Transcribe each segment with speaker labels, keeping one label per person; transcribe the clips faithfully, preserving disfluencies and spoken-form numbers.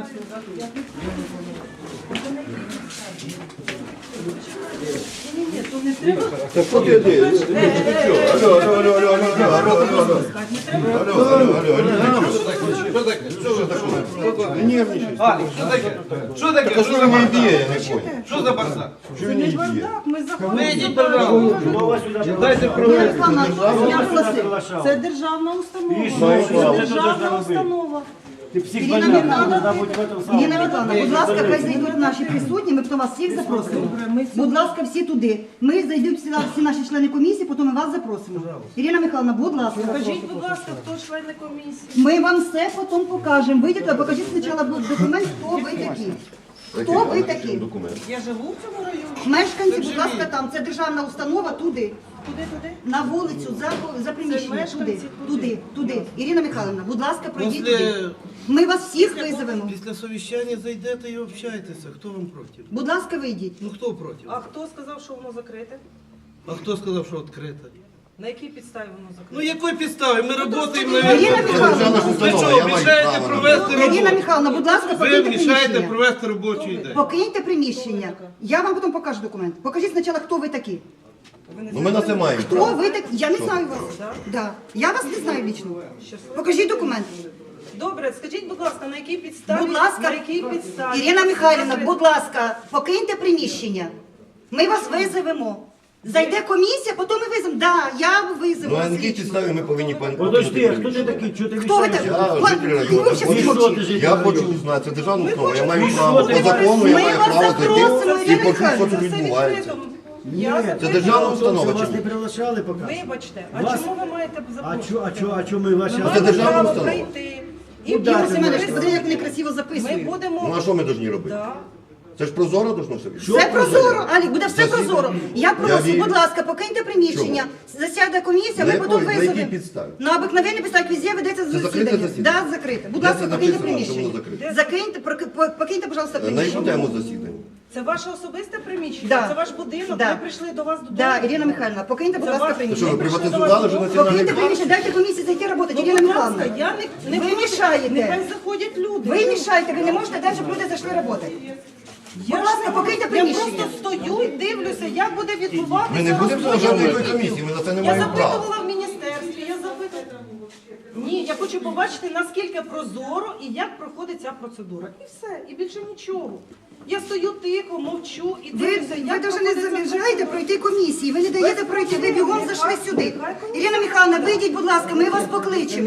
Speaker 1: Так що ти йди? Алло, алло, алло, алло, алло, алло, алло, алло. Алло, алло, алло, алло,
Speaker 2: Що таке?
Speaker 1: що за таке? Не нервничай.
Speaker 2: Алік, що таке? Що таке?
Speaker 1: Так а що ви мені б'є, я не понял.
Speaker 2: Що за бардак?
Speaker 1: Що він мені б'є?
Speaker 2: Вийдіть, пожалуйста. Дайте провести.
Speaker 3: Це державна установа.
Speaker 1: Це
Speaker 3: Державна установа.
Speaker 4: Ірина Михайловна, Ірина Михайловна, будь ласка, хай зайдуть наші присутні, ми потім вас всіх запросимо. Будь ласка, всі туди. Ми зайдуть всі, всі наші члени комісії, потім ми вас запросимо. Ірина Михайловна, будь ласка.
Speaker 3: Скажіть, будь ласка, хто члени комісії?
Speaker 4: Ми вам все потім покажемо. Вийдіть, а покажіть спочатку документ, хто ви такі. Хто ви такі?
Speaker 1: Документ.
Speaker 3: Я живу в цьому районі.
Speaker 4: Мешканці, будь ласка, там, це державна установа, туди.
Speaker 3: Куди туди?
Speaker 4: На вулицю, за, за приміщення,
Speaker 3: мешканці
Speaker 4: туди, туди, туди. Ірина Михайловна, будь ласка, пройдіть
Speaker 2: Після-
Speaker 4: туди. Ми вас всіх визовемо.
Speaker 2: Після совіщання зайдете і общайтеся. Хто вам проти?
Speaker 4: Будь ласка, вийдіть.
Speaker 2: Ну хто проти?
Speaker 3: А хто сказав, що воно закрите?
Speaker 2: А хто сказав, що відкрите?
Speaker 3: На якій підставі воно закрите?
Speaker 2: Ну якої підстави? Ми працюємо,
Speaker 4: Ірина
Speaker 2: навіть.
Speaker 4: Михайловна,
Speaker 2: Ви що, мішаєте провести
Speaker 4: Ірина
Speaker 2: роботу?
Speaker 4: Михайловна, будь ласка,
Speaker 2: Ви
Speaker 4: покиньте
Speaker 2: мішаєте
Speaker 4: приміщення.
Speaker 2: провести робочий день.
Speaker 4: Покиньте приміщення. Я вам потім покажу документ. Покажіть спочатку, хто ви такі.
Speaker 1: Ну ми на це маємо.
Speaker 4: Хто ви такі? Я не знаю вас. Да. Я вас не знаю лічно. Покажіть документ.
Speaker 3: Добре, скажіть, будь ласка, на якій підставі?
Speaker 4: Будь ласка,
Speaker 3: на якій підставі?
Speaker 4: Ірина Михайлівна, будь ласка, покиньте приміщення. Ми вас визовемо. Зайде комісія, потім ми визовемо. Да, я визову
Speaker 1: Ну а
Speaker 4: вас
Speaker 1: на якій
Speaker 4: лічно.
Speaker 1: підставі ми повинні пан-
Speaker 4: Хто
Speaker 5: Подожди, а
Speaker 4: ви
Speaker 5: хто ти такий? Чого ти
Speaker 4: Хто ви
Speaker 5: мішаєш?
Speaker 4: такі?
Speaker 1: Я житель району.
Speaker 4: Ви взагалі
Speaker 5: І що
Speaker 4: мовчите.
Speaker 5: ти житель
Speaker 1: Я
Speaker 5: району?
Speaker 1: хочу узнати, це державна установа, я маю
Speaker 5: що
Speaker 1: право,
Speaker 5: ти
Speaker 1: по закону я
Speaker 4: Ми
Speaker 1: маю
Speaker 4: вас
Speaker 1: право
Speaker 4: запросимо,
Speaker 1: зайти і
Speaker 4: Ірина
Speaker 1: почути, що
Speaker 4: Михайлівна.
Speaker 1: тут відбувається.
Speaker 3: Я
Speaker 1: Це
Speaker 3: запитую.
Speaker 1: державна установа
Speaker 5: Вас
Speaker 1: чи
Speaker 5: не
Speaker 1: ні?
Speaker 5: приглашали поки?
Speaker 3: Вибачте, а
Speaker 5: Вас-
Speaker 3: чому ви маєте
Speaker 5: А
Speaker 3: запрошувати?
Speaker 5: чо, а чо, а чо ми ваші...
Speaker 3: Ми
Speaker 1: це
Speaker 3: маємо
Speaker 1: державна
Speaker 3: право
Speaker 1: установа.
Speaker 3: прийти. І
Speaker 5: Ну,
Speaker 4: Ігор
Speaker 5: дайте
Speaker 4: Семенович,
Speaker 5: мені.
Speaker 4: подивіться, як вони красиво
Speaker 3: Ми
Speaker 4: записують.
Speaker 3: будемо...
Speaker 1: Ну а що ми повинні робити?
Speaker 3: Да.
Speaker 1: Це ж прозоро должно все бути.
Speaker 4: Все прозоро, Алі, буде все
Speaker 1: Засідання.
Speaker 4: прозоро. Я
Speaker 1: Я
Speaker 4: прошу,
Speaker 1: вірю.
Speaker 4: будь ласка, покиньте приміщення, засяде комісія,
Speaker 1: На
Speaker 4: ми потім
Speaker 1: якої- на якій
Speaker 4: визовемо.
Speaker 1: підставі?
Speaker 4: На обикновенній підставі, везде ведеться
Speaker 1: закрите
Speaker 4: засідання.
Speaker 1: засідання?
Speaker 4: Да, закрите. Будь
Speaker 1: Де
Speaker 4: ласка,
Speaker 1: це
Speaker 4: покиньте
Speaker 1: написано, що
Speaker 4: приміщення.
Speaker 1: воно закрите?
Speaker 4: Закиньте, прок- по- покиньте, пожалуйста,
Speaker 1: На яку
Speaker 4: приміщення.
Speaker 1: тему засідання?
Speaker 3: Це ваше особисте приміщення?
Speaker 4: Да.
Speaker 3: Це ваш будинок?
Speaker 4: Да.
Speaker 3: Ми прийшли до вас додому?
Speaker 4: Да, Ірина Михайлівна, покиньте, будь
Speaker 3: Це
Speaker 4: ласка,
Speaker 3: ваш-
Speaker 1: Це що,
Speaker 4: приміщення.
Speaker 1: ви
Speaker 3: прийшли до
Speaker 1: приватизували
Speaker 3: вас
Speaker 1: вже
Speaker 3: додому?
Speaker 1: національний
Speaker 4: Покиньте
Speaker 1: парк?
Speaker 4: приміщення, дайте комісії зайти працювати,
Speaker 3: Ну,
Speaker 4: Ірина
Speaker 3: будь
Speaker 4: Михайлівна.
Speaker 3: ласка, я не, не
Speaker 4: Ви
Speaker 3: проти.
Speaker 4: мішаєте.
Speaker 3: Нехай заходять люди.
Speaker 4: Ви мішаєте, ви не можете дати, щоб люди зайшли працювати.
Speaker 3: Я
Speaker 4: Будь ласка,
Speaker 3: ж-
Speaker 4: покиньте
Speaker 3: Я
Speaker 4: приміщення.
Speaker 3: просто стою і дивлюся, як буде відбуватися.
Speaker 1: Ми не будемо
Speaker 3: розподіл
Speaker 1: державної
Speaker 3: людей.
Speaker 1: комісії, ми на це не
Speaker 3: Я
Speaker 1: маємо права.
Speaker 3: запитувала в міністерстві, я запитувала. Ні, я хочу побачити, наскільки прозоро і як проходить ця процедура. І все, і більше нічого. Я стою тихо, мовчу і
Speaker 4: Ви,
Speaker 3: дивлюся,
Speaker 4: ви
Speaker 3: як
Speaker 4: навіть не
Speaker 3: проходить ця
Speaker 4: заважаєте
Speaker 3: процедура.
Speaker 4: пройти комісії, ви не даєте пройти, ви бігом зайшли сюди. Ірина Михайловна, вийдіть, будь ласка, ми вас покличемо.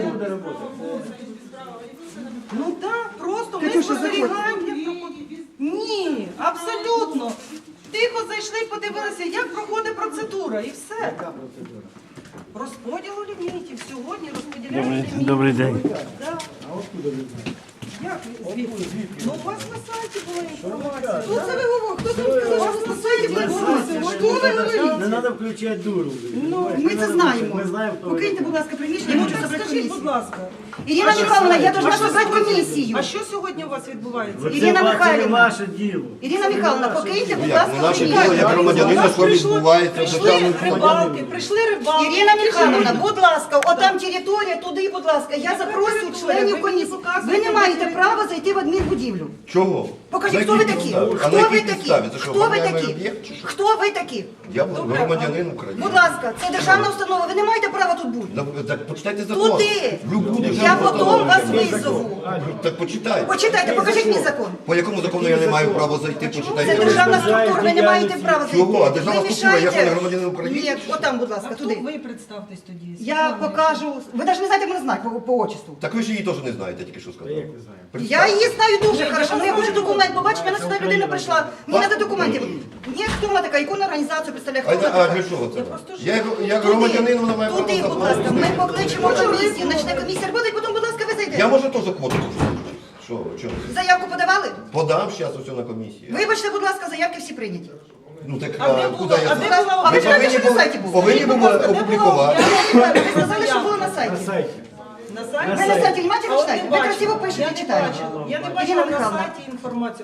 Speaker 3: Ну так, просто ми
Speaker 4: Катюша,
Speaker 3: спостерігаємо, як проходить. Ні, абсолютно. Тихо зайшли, подивилися, як проходить процедура, і все. Розподіл лімітів. Сьогодні розподіляють ліміти.
Speaker 5: Добрий день.
Speaker 3: Да. Як? Звідки? Ну, у вас на сайті була інформація.
Speaker 4: Хто це ви говорите? Хто це вам сказав, що у вас на сайті була інформація? Що ви говорите?
Speaker 5: Не треба включати дуру.
Speaker 4: Ну, ми це знаємо.
Speaker 5: Ми знаємо, хто ви.
Speaker 4: Покиньте, будь ласка, приміщення, я
Speaker 3: Ну,
Speaker 4: хочу
Speaker 3: так
Speaker 4: собрати
Speaker 3: скажіть, будь
Speaker 4: комісію.
Speaker 3: ласка.
Speaker 4: Ірина Михайловна, я должна
Speaker 3: А що
Speaker 4: собрати
Speaker 3: сьогодні-
Speaker 4: комісію.
Speaker 3: А що сьогодні у вас відбувається?
Speaker 5: Це
Speaker 4: Ірина
Speaker 5: ва- це не
Speaker 4: Михайлівна.
Speaker 5: ваше діло.
Speaker 4: Ірина Михайловна, покиньте, будь
Speaker 1: Як?
Speaker 4: ласка,
Speaker 1: Ну, наше
Speaker 4: приміщення.
Speaker 1: діло, як громадянина, що
Speaker 3: Прийшло-
Speaker 1: відбувається в
Speaker 3: Прийшли
Speaker 1: державному
Speaker 3: рибалки, прийшли рибалки.
Speaker 4: Ірина Михайловна, будь ласка, отам територія, туди, будь ласка. Я запросив
Speaker 3: територія?
Speaker 4: членів
Speaker 3: Ви
Speaker 4: комісії.
Speaker 3: мені показуєте,
Speaker 4: Ви не маєте
Speaker 3: територію?
Speaker 4: права зайти в адмінбудівлю.
Speaker 1: Чого?
Speaker 4: Покажіть,
Speaker 1: На
Speaker 4: хто ви
Speaker 1: якій
Speaker 4: такі?
Speaker 1: підставі? А
Speaker 4: Хто
Speaker 1: на
Speaker 4: ви
Speaker 1: якій
Speaker 4: такі?
Speaker 1: підставі? Це що,
Speaker 4: Хто ви
Speaker 1: об'єктивний
Speaker 4: такі?
Speaker 1: об'єкт чи що?
Speaker 4: Хто ви такі?
Speaker 1: Я громадянин України.
Speaker 4: Будь ласка, це державна установа, ви не маєте права тут бути.
Speaker 1: Да, Так почитайте закон.
Speaker 4: Туди.
Speaker 1: Любу
Speaker 4: Я
Speaker 1: державну
Speaker 4: потім
Speaker 1: установу.
Speaker 4: вас визову.
Speaker 1: Так почитайте.
Speaker 4: Почитайте, покажіть мій закон.
Speaker 1: По якому закону я не маю права зайти,
Speaker 4: Це
Speaker 1: почитайте.
Speaker 4: державна структура, ви не маєте права зайти.
Speaker 1: Чого? А державна
Speaker 4: Ви
Speaker 1: структура, я що, не
Speaker 4: мішаєте?
Speaker 1: громадянин України?
Speaker 4: Ні, отам, будь ласка,
Speaker 3: А хто
Speaker 4: туди.
Speaker 3: ви представтесь тоді?
Speaker 4: Я покажу. Ви навіть не знаєте мене знак по, по отчеству.
Speaker 1: Так ви ж її теж не знаєте, тільки що сказав.
Speaker 4: Я її знаю дуже хорошо, але я хочу документ побачити, мене сюди людина прийшла. Мені треба документів. Ні, хто вона така, яку вона організацію представляє,
Speaker 1: А,
Speaker 4: хто вона
Speaker 1: а
Speaker 4: така?
Speaker 1: для чого це?
Speaker 3: просто ж-
Speaker 1: Я як, як громадянин, вона має право
Speaker 4: Туди, будь
Speaker 1: заходити.
Speaker 4: ласка, ми покличемо комісію, почне комісія роботи, і потім, будь ласка, ви зайдете.
Speaker 1: Я можу теж квоту. Що, що?
Speaker 4: Заявку подавали?
Speaker 1: Подам зараз усе на комісію.
Speaker 4: Вибачте, будь ласка, заявки всі прийняті.
Speaker 1: Ну так,
Speaker 3: А де
Speaker 1: а,
Speaker 3: було?
Speaker 1: куди я
Speaker 3: А де
Speaker 1: знаю?
Speaker 3: була?
Speaker 4: А ви
Speaker 1: Ви
Speaker 4: знаєте,
Speaker 1: повинні
Speaker 4: що на
Speaker 1: були,
Speaker 4: сайті було?
Speaker 1: повинні
Speaker 3: Скажіть, будь
Speaker 1: були
Speaker 3: ласка, де
Speaker 1: опублікувати.
Speaker 4: Ви сказали, що було на
Speaker 5: На
Speaker 4: сайті.
Speaker 5: сайті.
Speaker 3: На сайті?
Speaker 4: Ви на сайті внимательно
Speaker 3: А от
Speaker 4: читаєте?
Speaker 3: не
Speaker 4: Ви
Speaker 3: бачила.
Speaker 4: красиво пишете,
Speaker 3: Я не
Speaker 4: читаєте.
Speaker 3: бачила. Я не
Speaker 4: Ірина
Speaker 3: бачила на
Speaker 4: Михайлівна.
Speaker 3: сайті інформацію.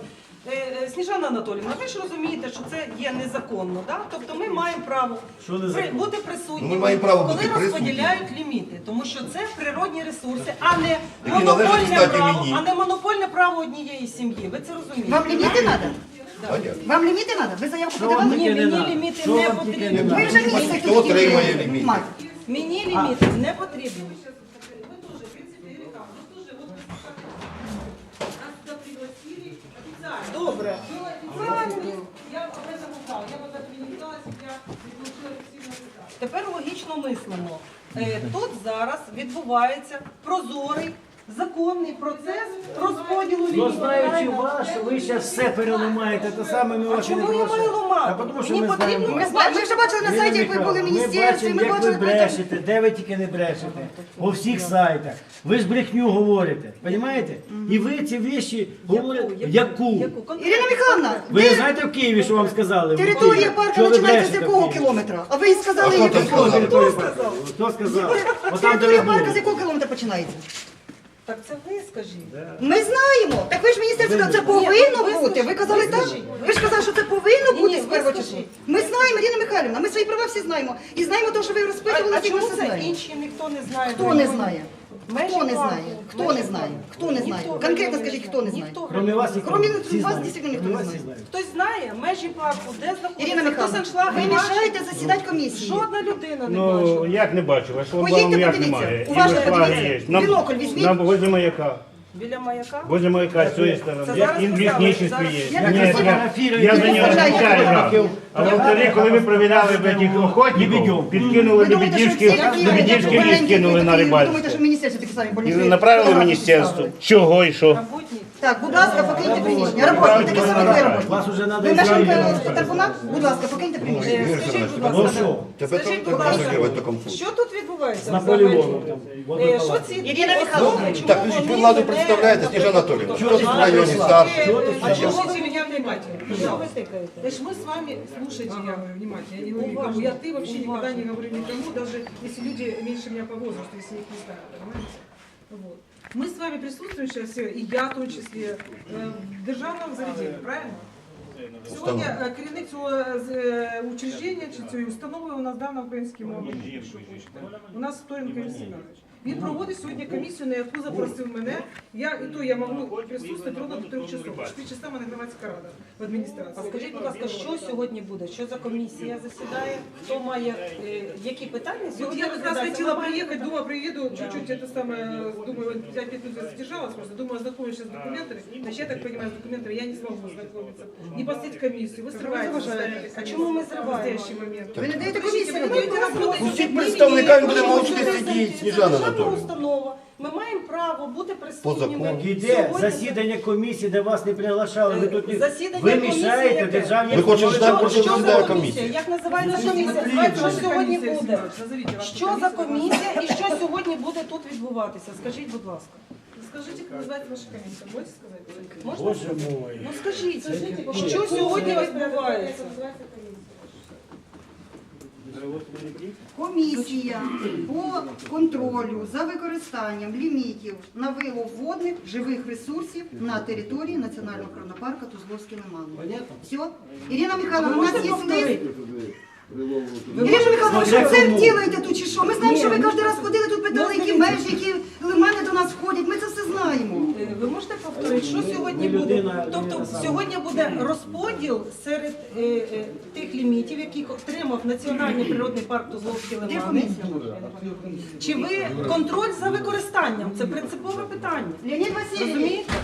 Speaker 3: Е, е, Сніжана Анатоліївна, ви ж розумієте, що це є незаконно, да? Тобто ми маємо право
Speaker 5: Що незаконно?
Speaker 3: при- бути
Speaker 1: Ну,
Speaker 3: присутніми,
Speaker 1: ми маємо право
Speaker 3: коли
Speaker 1: бути присутніми.
Speaker 3: розподіляють ліміти, тому що це природні ресурси, а не
Speaker 1: належать,
Speaker 3: монопольне
Speaker 1: кстати,
Speaker 3: право,
Speaker 1: мені.
Speaker 3: а не монопольне право однієї сім'ї. Ви це розумієте?
Speaker 4: Вам ліміти треба?
Speaker 1: Понятно.
Speaker 4: Вам ліміти треба? Ви заявку
Speaker 5: Що вам
Speaker 4: подавали?
Speaker 3: Ні,
Speaker 5: таке не
Speaker 3: мені
Speaker 5: надо?
Speaker 3: ліміти
Speaker 5: Що
Speaker 3: не
Speaker 5: вам таке
Speaker 3: потрібні.
Speaker 5: не
Speaker 4: Ви
Speaker 5: надо?
Speaker 4: вже місяць
Speaker 1: Хто
Speaker 4: тут
Speaker 1: отримає
Speaker 4: тільки
Speaker 1: ліміти?
Speaker 4: мать.
Speaker 3: Мені ліміти не потрібні. Добре. Тепер логічно мислимо. Е, Тут зараз відбувається прозорий, законний процес розподілу
Speaker 5: Ну,
Speaker 3: лімітів.
Speaker 5: знаючи
Speaker 3: Правильно?
Speaker 5: вас, що ви зараз все переламаєте, те саме ми
Speaker 3: А
Speaker 5: вас і не
Speaker 3: чому я маю
Speaker 5: просимо.
Speaker 3: ламати?
Speaker 5: А тому що
Speaker 3: Мені
Speaker 5: ми знаємо
Speaker 3: потрібно
Speaker 5: вас.
Speaker 4: Ми знаємо, ми вже бачили на сайті, як ви були в
Speaker 5: Ми
Speaker 4: міністерстві,
Speaker 5: бачимо,
Speaker 4: ми
Speaker 5: як ви
Speaker 4: бачили, потім-
Speaker 5: брешете, де ви тільки не брешете. По всіх сайтах. Ви ж брехню говорите, розумієте? І ви ці віші говорите. Яку?
Speaker 3: Яку?
Speaker 4: Ірина Михайловна,
Speaker 5: Ви не знаєте в Києві, що вам сказали? В
Speaker 4: територія
Speaker 5: Києві?
Speaker 4: парку
Speaker 5: Що ви
Speaker 4: починається з
Speaker 5: брешете в
Speaker 4: якого
Speaker 5: Києві?
Speaker 4: кілометра? А ви сказали,
Speaker 1: А хто
Speaker 4: яку?
Speaker 1: там сказав?
Speaker 5: Територія парку. Хто сказав? Отам, де ви
Speaker 4: Територія парку з
Speaker 5: були.
Speaker 4: якого кілометра починається?
Speaker 3: Так це ви скажіть.
Speaker 4: Ми знаємо. Так ви ж міністерство сказали, це
Speaker 3: Ні,
Speaker 4: повинно
Speaker 3: ви
Speaker 4: бути.
Speaker 3: скажіть,
Speaker 4: Ви казали
Speaker 3: ви
Speaker 4: так?
Speaker 3: скажіть.
Speaker 4: Ви ж казали, що це повинно
Speaker 3: Ні,
Speaker 4: бути
Speaker 3: ні,
Speaker 4: з
Speaker 3: ви
Speaker 4: першого числа.
Speaker 3: скажіть.
Speaker 4: Ми знаємо, Ірина Михайлівна, ми свої права всі знаємо. І знаємо те, що ви
Speaker 3: А,
Speaker 4: розпитували,
Speaker 3: а
Speaker 4: і ми
Speaker 3: чому
Speaker 4: все
Speaker 3: це
Speaker 4: знаємо.
Speaker 3: інші ніхто не знає?
Speaker 4: Хто не знає?
Speaker 3: Межі
Speaker 4: Хто не
Speaker 3: парку.
Speaker 4: знає? Хто
Speaker 3: Межі
Speaker 4: не знає?
Speaker 3: парку.
Speaker 4: Хто не знає?
Speaker 3: Ніхто.
Speaker 4: Конкретно скажіть, хто не знає?
Speaker 3: Ніхто.
Speaker 5: Кроме вас ніхто.
Speaker 4: Кроме
Speaker 5: Всі
Speaker 4: вас,
Speaker 5: знають.
Speaker 4: дійсно, ніхто
Speaker 5: Кроме
Speaker 4: не
Speaker 5: вас
Speaker 4: знає.
Speaker 5: всі знають.
Speaker 3: Хтось знає межі парку, де знаходиться?
Speaker 4: Ірина
Speaker 3: хто
Speaker 4: Михайловна,
Speaker 3: саншлаги
Speaker 4: ви
Speaker 3: бачить?
Speaker 4: мішаєте засідати комісії.
Speaker 3: Жодна людина не
Speaker 6: Ну,
Speaker 3: бачила.
Speaker 6: як не бачу, а що
Speaker 4: Поїдьте,
Speaker 6: вам як
Speaker 4: подивіться.
Speaker 6: немає? І
Speaker 4: Уважно
Speaker 6: ви флаги
Speaker 4: подивіться.
Speaker 6: є. На,
Speaker 4: Бінокль візьміть.
Speaker 6: на возле маяка.
Speaker 3: Біля маяка?
Speaker 6: Возле маяка з цієї
Speaker 3: Це
Speaker 6: сторони.
Speaker 3: зараз
Speaker 6: Як і в
Speaker 3: поставили,
Speaker 6: лісничестві
Speaker 3: зараз.
Speaker 6: є.
Speaker 4: Я
Speaker 6: Ні,
Speaker 4: так
Speaker 6: я,
Speaker 5: фотографірую,
Speaker 6: я за нього
Speaker 4: фотографірую.
Speaker 6: відповідаю.
Speaker 5: Фотографірую.
Speaker 6: А от тоді, коли ви провіряли в этих охотників,
Speaker 5: Лебедів.
Speaker 6: підкинули
Speaker 4: Ви думаєте, що всі
Speaker 6: Лебедівський,
Speaker 4: такі
Speaker 6: Лебедівський ліс
Speaker 4: добренькі,
Speaker 6: кинули
Speaker 4: ви
Speaker 6: на
Speaker 4: такі, ви думаєте, що
Speaker 6: рибальство.
Speaker 4: в міністерстві такі самі
Speaker 6: І
Speaker 4: больні?
Speaker 6: направили в
Speaker 4: Фотографії
Speaker 6: міністерство.
Speaker 4: ставили.
Speaker 6: Чого і що?
Speaker 3: Работник.
Speaker 4: Так, будь ласка, покиньте приміщення. Роботник, такі самі ви роботник.
Speaker 5: Вас уже треба
Speaker 4: Ви мешканка
Speaker 5: ізраїльська.
Speaker 4: Тарпуна? Будь ласка, покиньте приміщення.
Speaker 1: Ігор
Speaker 3: Скажіть,
Speaker 1: Семенович,
Speaker 3: будь
Speaker 5: Ну
Speaker 3: ласка,
Speaker 5: що?
Speaker 1: Тебе
Speaker 3: Скажіть,
Speaker 1: так
Speaker 3: будь ласка,
Speaker 1: розігрувати в такому
Speaker 3: що тут відбувається?
Speaker 5: З Наполеоном
Speaker 3: взагалі?
Speaker 5: там.
Speaker 3: Е,
Speaker 5: водопалат.
Speaker 3: Що ці
Speaker 4: Ірина Михайловна,
Speaker 3: чому
Speaker 1: Так,
Speaker 3: вони
Speaker 1: подождите, ви владу
Speaker 3: не-
Speaker 1: представляєте, Сніжана Анатоліївна.
Speaker 5: Чого
Speaker 1: Хто
Speaker 5: ти
Speaker 1: тут в
Speaker 5: сюди
Speaker 1: районі
Speaker 5: прийшла?
Speaker 1: старший?
Speaker 5: Чого ти
Speaker 3: А
Speaker 5: сюди?
Speaker 3: чого
Speaker 7: Слушайте
Speaker 3: ви
Speaker 7: меня внимательно.
Speaker 3: Що ви тикаєте?
Speaker 7: Значит, мы с вами, слушайте, я говорю внимательно, я не говорю никому. Я ты вообще никогда не говорю никому, даже если люди меньше меня по возрасту, если я их не знаю, понимаете? Вот. Мы с вами присутствуем сейчас все, и я в том числе, э, в державном заведении, правильно? Сьогодні е, керівник цього е, учреждення чи цієї установи у нас дав на українській мові. У нас Вторенко Юрій Семенович. Він проводить сьогодні комісію, на яку запросив мене. Я і то я можу присутствувати ровно до трьох часов. В чотири часа мене громадська рада в адміністрації.
Speaker 3: А скажіть, будь ласка, що сьогодні буде? Що за комісія засідає? Хто має е, які питання
Speaker 7: Вот
Speaker 3: сьогодні
Speaker 7: я как раз
Speaker 3: розглядаються?
Speaker 7: хотела
Speaker 3: Ми маємо
Speaker 7: приехать,
Speaker 3: питання.
Speaker 7: думаю, приеду, чуть-чуть это самое, думаю, пять минут я задержалась просто, думаю, ознакомлюсь сейчас с документами. Значит, я так понимаю, с документами я не смогу ознакомиться. Не посетить комиссию, вы срываете.
Speaker 3: А чому ми
Speaker 7: в
Speaker 3: зриваємо?
Speaker 7: настоящий момент?
Speaker 4: ви не даєте
Speaker 7: Скажите,
Speaker 4: комісію,
Speaker 7: вы
Speaker 4: ви
Speaker 7: будете работать?
Speaker 1: Усіх представниками буде мовчки
Speaker 3: Це
Speaker 1: сидіти, Сніжана
Speaker 3: державна
Speaker 1: Анатоліївна.
Speaker 3: установа. Ми маємо право бути присутніми.
Speaker 1: закону.
Speaker 5: Іде
Speaker 3: Сьогодні-
Speaker 5: засідання комісії, де вас не приглашали. Ви тут не...
Speaker 3: Засідання
Speaker 5: Ви
Speaker 3: комісії
Speaker 5: мішаєте
Speaker 3: яке?
Speaker 5: державній
Speaker 1: Ми хочемо
Speaker 5: установі.
Speaker 1: знати, про що
Speaker 3: Що за
Speaker 1: засідає
Speaker 3: комісія?
Speaker 1: комісія.
Speaker 3: Як називається
Speaker 7: Назовите
Speaker 3: комісія?
Speaker 7: вашу
Speaker 3: Знаєте, що
Speaker 7: комиссию,
Speaker 3: сьогодні
Speaker 7: Сергей
Speaker 3: буде?
Speaker 7: Семенович, назовите вашу
Speaker 3: Що за
Speaker 7: комиссию.
Speaker 3: комісія і що сьогодні буде тут відбуватися? Скажіть, будь ласка.
Speaker 7: Скажите, как называется ваша комиссия? Можете сказать?
Speaker 3: Можна?
Speaker 5: Боже мой.
Speaker 3: Ну скажіть, що сьогодні відбувається?
Speaker 4: Комісія по контролю за використанням лімітів на вилов водних живих ресурсів на території Національного природного парку Тузловський лиман. Все? Ірина Михайловна, у нас є лист. Ірина Михайловна, ви що це робите тут чи що? Ми знаємо, що ви кожен раз ходили тут, питали, які межі, які лимани до нас входять. Ми це все знаємо.
Speaker 3: Е, Ви можете повторити, що сьогодні
Speaker 5: Ви
Speaker 3: буде?
Speaker 5: людина-
Speaker 3: Тобто
Speaker 5: людина сама.
Speaker 3: сьогодні буде розподіл серед е, е, тих лімітів, яких отримав Національний природний парк Тузловські
Speaker 4: Де
Speaker 3: лимани.
Speaker 4: комісія?
Speaker 3: Чи ви контроль за використанням? Це принципове питання.
Speaker 4: Леонід Васильович,
Speaker 3: Розумієте?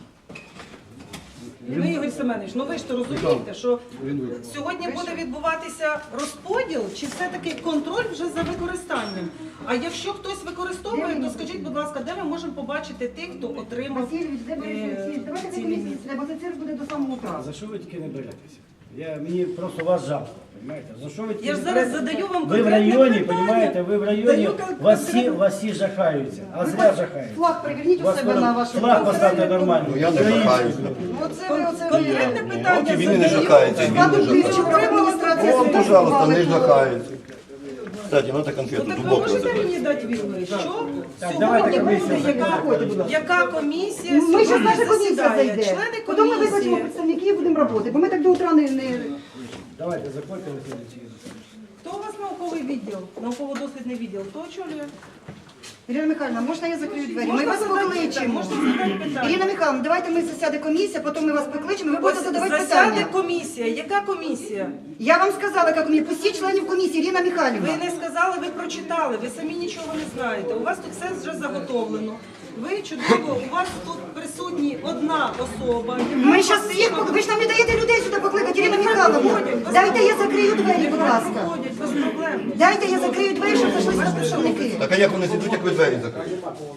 Speaker 3: Ви, Ігор Семенович, ну ви ж то розумієте, що сьогодні буде відбуватися розподіл, чи все-таки контроль вже за використанням? А якщо хтось використовує, то скажіть, будь ласка, де ми можемо побачити тих, хто отримав
Speaker 4: Васильович, де берете
Speaker 3: е,
Speaker 4: всі? Давайте
Speaker 3: ці
Speaker 4: цю комісію,
Speaker 3: ліміти?
Speaker 4: треба це цирк буде до самого
Speaker 5: А
Speaker 4: утра.
Speaker 5: за що ви тільки не беретеся? Я, мені просто вас жалко, розумієте? За що ви тільки
Speaker 3: Я ж
Speaker 5: не
Speaker 3: зараз
Speaker 5: беретеся?
Speaker 3: задаю вам
Speaker 5: Ви в
Speaker 3: конкретне
Speaker 5: районі,
Speaker 3: питання.
Speaker 5: розумієте, ви в районі,
Speaker 3: Даю кон-
Speaker 5: вас всі,
Speaker 3: конкретне-
Speaker 5: вас всі жахаються, а
Speaker 4: Ви
Speaker 5: зря
Speaker 4: хоч
Speaker 5: жахаються.
Speaker 4: флаг приверніть у
Speaker 5: Вас
Speaker 4: себе на вашу
Speaker 5: флаг поставте нормально.
Speaker 1: Ну, я не жахаюся.
Speaker 4: Оце ви, оце ви.
Speaker 3: Конкретне питання
Speaker 1: От і він і не
Speaker 3: задаю.
Speaker 1: жахається, і він не
Speaker 4: Складу
Speaker 1: жахається.
Speaker 4: тисячу адміністрації.
Speaker 1: О, пожалуйста, не жахаються. Кстати, надо
Speaker 7: Ну
Speaker 1: конфету
Speaker 7: так ви
Speaker 1: глубоко
Speaker 7: можете
Speaker 1: закрыть.
Speaker 7: мені дати відповідь, що
Speaker 5: давайте
Speaker 7: сьогодні
Speaker 5: комісія
Speaker 7: буде, яка,
Speaker 4: Заходьте, будь ласка.
Speaker 3: Яка комісія
Speaker 4: Ми зараз
Speaker 3: сьогодні
Speaker 4: наша комісія
Speaker 3: засідає?
Speaker 4: зайде.
Speaker 3: Члени
Speaker 4: Потім ми викличемо
Speaker 3: комісії.
Speaker 4: представників і будемо працювати, бо ми так до утра не... не...
Speaker 5: Давайте, заходьте на слідчий.
Speaker 3: Хто у вас науковий відділ? Науково-дослідний відділ? Хто очолює?
Speaker 4: Ірина Михайлівна, можна я закрию двері? Ми
Speaker 3: Можна
Speaker 4: вас
Speaker 3: задати
Speaker 4: покличемо.
Speaker 3: питання, можна задати питання.
Speaker 4: Ірина Михайлівна, давайте ми засяде комісія, потім ми вас покличемо, і ви будете
Speaker 3: Ось
Speaker 4: задавати
Speaker 3: засяде
Speaker 4: питання.
Speaker 3: комісія. Яка комісія?
Speaker 4: Я вам сказала, яка комісія. Пустіть членів комісії, Ірина Михайлівна.
Speaker 3: Ви не сказали, ви прочитали, ви самі нічого не знаєте. У вас тут все вже заготовлено. Ви чудово, у вас тут присутні одна особа. яка
Speaker 4: Ми зараз
Speaker 3: фактично-
Speaker 4: всіх, пок- ви ж нам не даєте людей сюди покликати, Ірина Михайловна. Дайте я закрию двері, будь ласка.
Speaker 3: Виходять без проблем.
Speaker 4: Дайте я закрию двері, щоб зайшли сюди представники.
Speaker 1: Так а як вони зійдуть, як ви двері закриєте?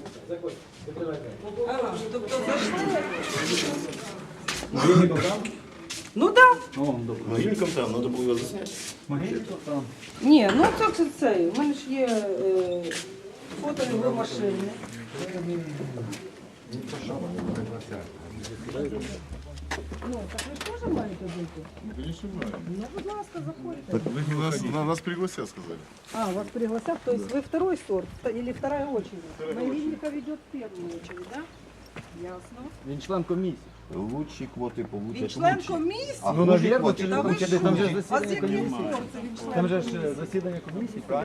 Speaker 3: Ага, тобто зайшли. Ну так.
Speaker 1: Могильником там, треба було його засняти.
Speaker 3: Ні, ну це це це. У мене ж є е, фото його машини.
Speaker 8: Нас, на- нас пригласят, сказали.
Speaker 3: А, вас пригласят, то есть вы второй сорт или вторая очередь? Могильников идет в первую очередь, да? Ясно.
Speaker 8: Він член комісії.
Speaker 1: Лучші квоти получать.
Speaker 3: Він член
Speaker 1: лучші.
Speaker 3: комісії?
Speaker 1: А
Speaker 8: Ну,
Speaker 1: хуже
Speaker 8: навірно,
Speaker 1: квоти
Speaker 8: чи
Speaker 3: Та ви
Speaker 1: получать
Speaker 3: що?
Speaker 1: хуже.
Speaker 3: А з яких пор це він член
Speaker 8: Там же
Speaker 3: комісії?
Speaker 8: ж засідання комісії.